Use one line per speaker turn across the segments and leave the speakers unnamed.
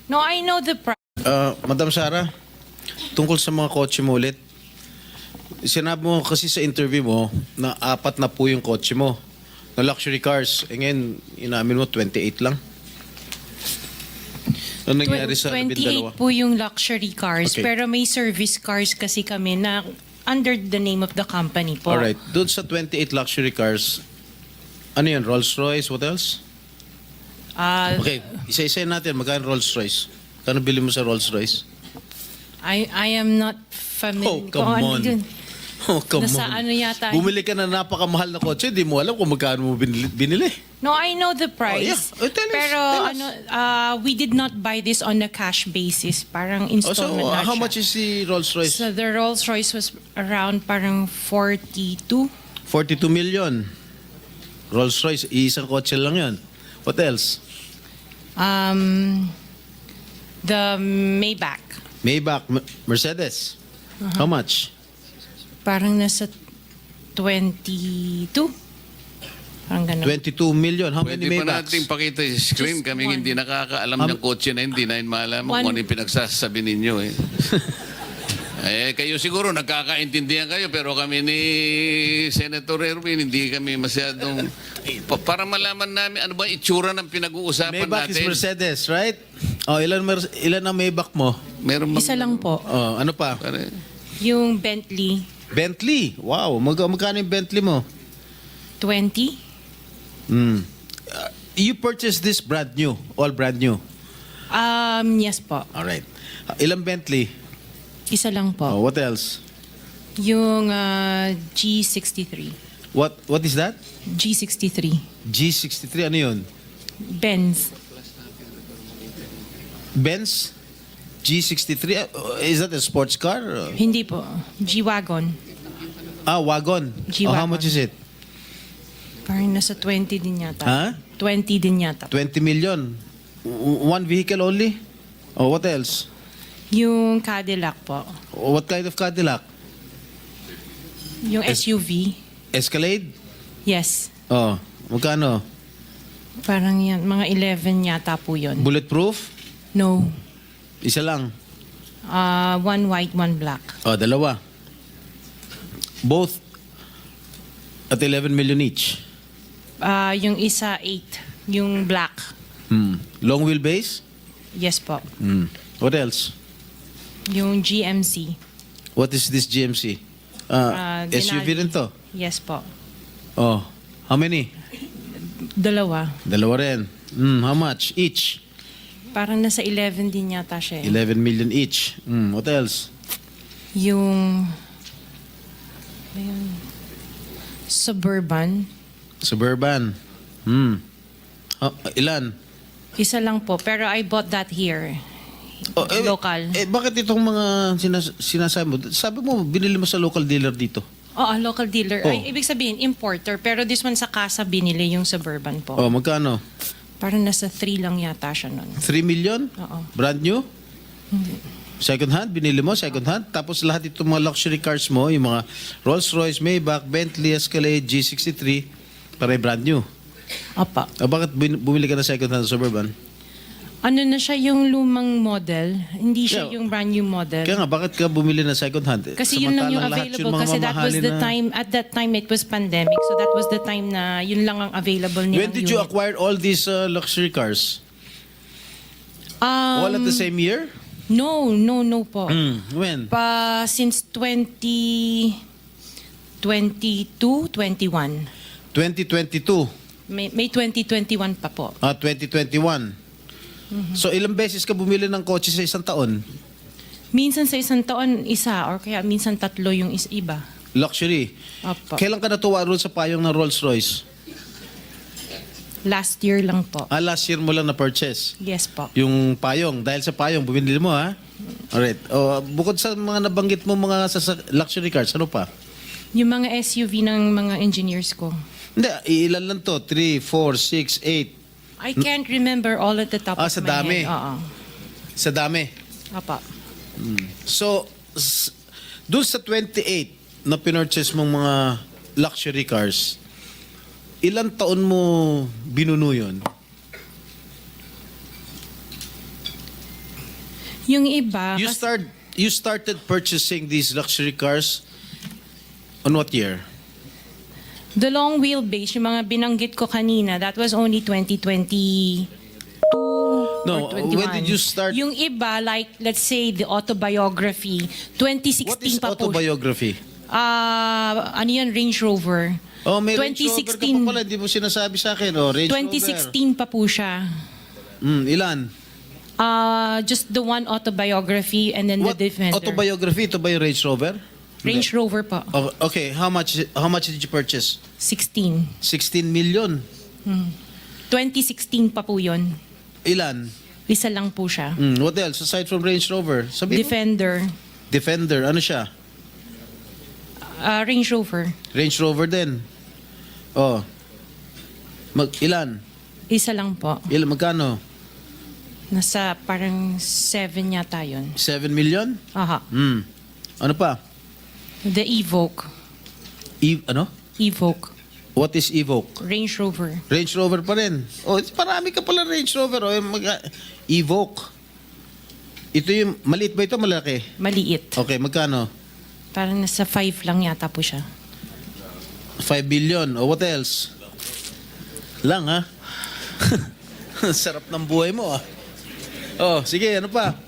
No, I know the price.
Madam Sara, tungkol sa mga kotse mo ulit, sinabi mo kasi sa interview mo na 4 na po yung kotse mo na luxury cars. E ngayon, inamin mo 28 lang. Ano nangyari sa
28
12?
po yung luxury cars,
Okay.
pero may service cars kasi kami na under the name of the company po.
Alright, doon sa 28 luxury cars, ano yun, Rolls Royce, what else?
Ah,
Okay, isa-isa natin, magkano Rolls Royce? Kano bili mo sa Rolls Royce?
I am not familiar.
Oh, come on. Oh, come
Nasa
on.
ano yata.
Bumili ka na napakamahal na kotse, di mo alam kung magkano mo binili.
No, I know the price.
Oh, yeah. Oh, tell us,
Pero
tell us.
ano, we did not buy this on a cash basis. Parang
Oh, so,
installment na
how
siya.
much is the Rolls Royce?
So the Rolls Royce was around parang 42.
42 million. Rolls Royce, isang kotse lang yun. What else?
The Maybach.
Maybach, Mercedes. How much?
Parang nasa 22. Parang ganun.
22 million. How many
Pwede pa
Maybachs?
natin pakita yung screen.
Just
Kaming
one.
hindi nakakaalam ng kotse na hindi na malaman
One.
kung ano yung pinagsasabi ninyo. Kayo siguro nagkakaintindihan kayo pero kami ni Senator Erwin hindi kami masyadong... para malaman namin ano ba itsura ng pinag-uusapan
Maybach is
natin.
Mercedes, right? Oh, ilan ang Maybach mo?
Meron bang-
Isa lang po.
Oh, ano pa?
Pare-
Yung Bentley,
Bentley. Wow, magkano yung Bentley mo?
20.
You purchased this brand new, all brand new.
Yes po.
All right. Ilang Bentley?
Isa lang po.
Oh, what else?
Yung G63.
What is that?
G63.
G63, ano yun?
Benz.
Benz? G63? Is that a sports car?
Hindi po. G-Wagon.
Wagon.
G-Wagon.
Oh, how much is it?
Parang nasa 20 din yata.
Huh?
20 din yata.
20 million. One vehicle only? Oh, what else?
Yung Cadillac po.
What kind of Cadillac?
Yung SUV.
Escalade?
Yes.
Oh, magkano?
Parang yan. Mga 11 yata po yun.
Bulletproof?
No.
Isa lang.
One white, one black.
Oh, dalawa. Both at 11 million each.
Yung isa 8. Yung black.
Long wheelbase?
Yes po.
What else?
Yung GMC.
What is this GMC? SUV
Denali.
rin to?
Yes po.
Oh, how many?
Dalawa.
Dalawa rin. How much each?
Parang nasa 11 din yata siya.
11 million each. What else?
Yung ayun, Suburban.
Suburban. Ilan?
Isa lang po. Pero I bought that here. Local.
Bakit itong mga sinasabi mo? Sabi mo, binili mo sa local dealer dito.
Oo, local dealer.
Oh.
Ay, ibig sabihin, importer. Pero this one sa casa binili yung Suburban po.
Oh, magkano?
Parang nasa 3 lang yata siya nun.
3 million?
Oo.
Brand new? Second hand? Binili mo? Second hand? Tapos lahat itong mga luxury cars mo, yung mga Rolls Royce, Maybach, Bentley, Escalade, G63, pare brand new.
Apa.
Bakit bumili ka na second hand Suburban?
Ano na siya yung lumang model? Hindi siya
Yeah.
yung brand new model.
Kaya nga, bakit ka bumili na second hand?
Kasi yun lang yung
Samantalang lahat
available.
mga
Kasi that was
mamahalin
the
na-
time, at that time it was pandemic. So that was the time na yun lang ang available nilang
When did you
unit.
acquire all these luxury cars? All at the same year?
No po.
When?
Since 2022, 21.
2022.
May 2021 pa po.
2021. So ilang beses ka bumili ng kotse sa isang taon?
Minsan sa isang taon, isa. Or kaya minsan 3 yung iba.
Luxury.
Opo.
Kailan ka natuwa roon sa payong ng Rolls Royce?
Last year lang po.
Last year mo lang na-purchase.
Yes po.
Yung payong. Dahil sa payong, bumili mo ha? Alright. Bukod sa mga nabanggit mo mga luxury cars, ano pa?
Yung mga SUV ng mga engineers ko.
Hindi, ilan lang to? 3, 4, 6, 8.
I can't remember all at the top of
Sa
my
dami.
head. Oo.
Sa dami.
Apa.
So, doon sa 28 na pinurchase mong mga luxury cars, ilang taon mo binuno yun?
Yung iba,
You started purchasing these luxury cars on what year?
the long wheelbase, yung mga binanggit ko kanina, that was only 2022
No,
or 21.
when did you start?
Yung iba, like, let's say, the autobiography, 2016
What is
pa po.
autobiography?
Ano yan, Range Rover.
Oh, may Range Rover ka pa pala, hindi mo sinasabi sa akin. Oh, Range
2016 pa po siya.
Rover. Ilan?
Just the one autobiography and then
What
the Defender.
autobiography? Ito ba yung Range Rover?
Range Rover pa.
Oh, okay, how much did you purchase?
16.
16 million.
2016 pa po yun.
Ilan?
Isa lang po siya.
What else aside from Range Rover? Sabi mo?
Defender.
Defender. Ano siya?
Range Rover.
Range Rover din. Oh. Ilan?
Isa lang po.
Magkano?
Nasa parang 7 yata yun.
7 million?
Aha.
Ano pa?
The Evoque.
Ano?
Evoque.
What is Evoque?
Range Rover.
Range Rover pa rin. Oh, marami ka pala Range Rover. Oh, Evoque. Ito yung, maliit ba ito? Malaki?
Maliit.
Okay, magkano?
Parang nasa 5 lang yata po siya.
5 billion. Oh, what else? Lang, ha? Sarap ng buhay mo, ah. Oh, sige, ano pa?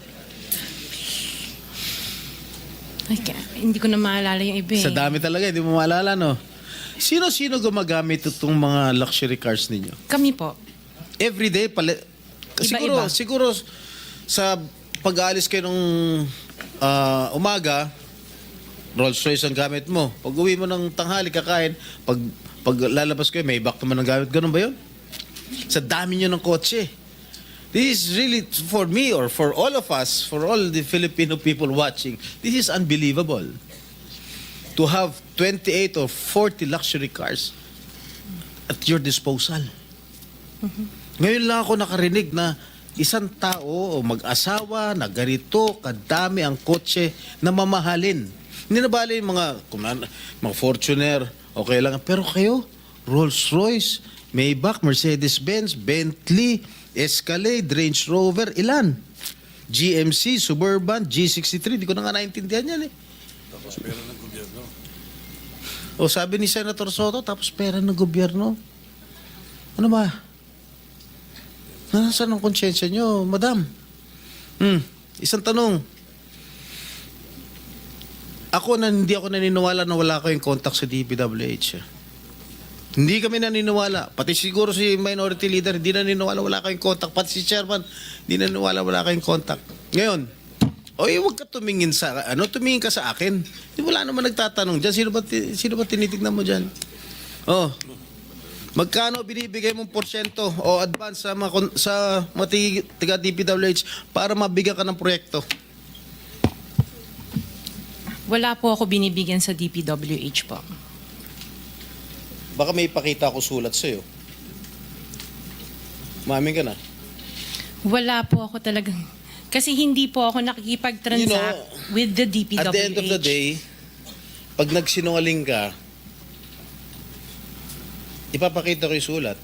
Hindi ko na maalala yung iba eh.
Sa dami talaga, hindi mo maalala, no? Sino-sino gumagamit itong mga luxury cars ninyo?
Kami po.
Every day,
Iba-iba.
siguro sa pag-aalis kayo nung umaga, Rolls Royce ang gamit mo. Pag uwi mo ng tanghali, kakain, pag lalabas kayo, may back naman ang gamit. Ganun ba yun? Sa dami nyo ng kotse. This is really, for me or for all of us, for all the Filipino people watching, this is unbelievable. To have 28 or 40 luxury cars at your disposal. Ngayon lang ako nakarinig na isang tao o mag-asawa na ganito kadami ang kotse na mamahalin. Hindi na bali yung mga Fortuner, okay lang. Pero kayo, Rolls-Royce, Maybach, Mercedes-Benz, Bentley, Escalade, Range Rover, ilan? GMC, Suburban, G63, di ko na nga naintindihan yan eh. Tapos pera ng gobyerno. O sabi ni Senator Soto, tapos pera ng gobyerno. Ano ba? Nasaan ang konsyensya nyo, madam? Isang tanong. Hindi ako naniniwala na wala kayong contact sa DPWH. Hindi kami naniniwala. Pati siguro si minority leader, hindi naniniwala wala kayong contact. Pati si chairman, hindi naniniwala wala kayong contact. Ngayon, huwag ka tumingin tumingin ka sa akin. Di wala naman nagtatanong dyan. Sino ba tinitignan mo dyan? Oh, magkano binibigay mong porsyento o advance sa mga tiga DPWH para mabigyan ka ng proyekto?
Wala po ako binibigyan sa DPWH po.
Baka may ipakita ako sulat sa'yo. Mamin ka na.
Wala po ako talagang... Kasi hindi po ako nakikipag-transact with the DPWH.
At the end of the day, pag nagsinungaling ka, ipapakita ko yung sulat.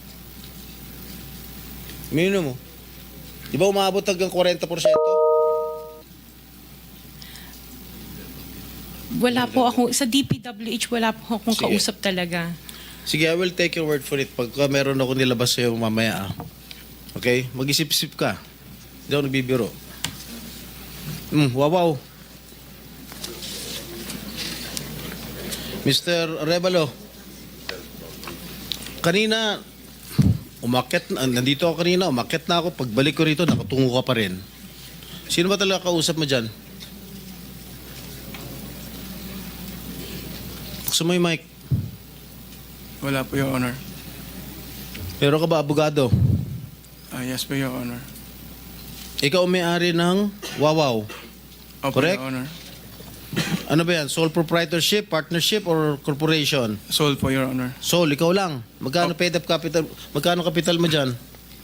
Minino mo. Di ba umabot hanggang 40%?
Wala po ako... Sa DPWH, wala po akong
Sige.
kausap talaga.
Sige, I will take your word for it. Pagka meron ako nilabas sa'yo mamaya, okay? Mag-isip-isip ka. Hindi ako nagbibiro. Wow. Mr. Revalo, kanina, nandito ako kanina, umakyat na ako. Pagbalik ko rito, nakatungo ka pa rin. Sino ba talaga kausap mo dyan? Gusto mo yung mic?
Wala po, Your Honor.
Pero ka ba abogado?
Yes po, Your Honor.
Ikaw ang may-ari ng Wawaw.
Opo,
Correct?
Your Honor.
Ano ba yan? Sole proprietorship, partnership, or corporation?
Sold po, Your Honor.
Sole, ikaw lang. Magkano paid up capital? Magkano capital mo dyan?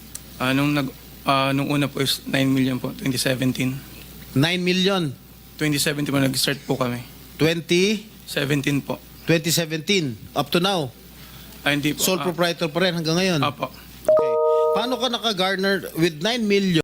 Nung una po is 9 million po, 2017.
9 million.
2017 po nag-start po kami.
2017.
17 po.
Up to now.
Hindi po.
Sole proprietor pa rin hanggang ngayon.
Apo.
Okay. Paano ka naka-garner with 9 million?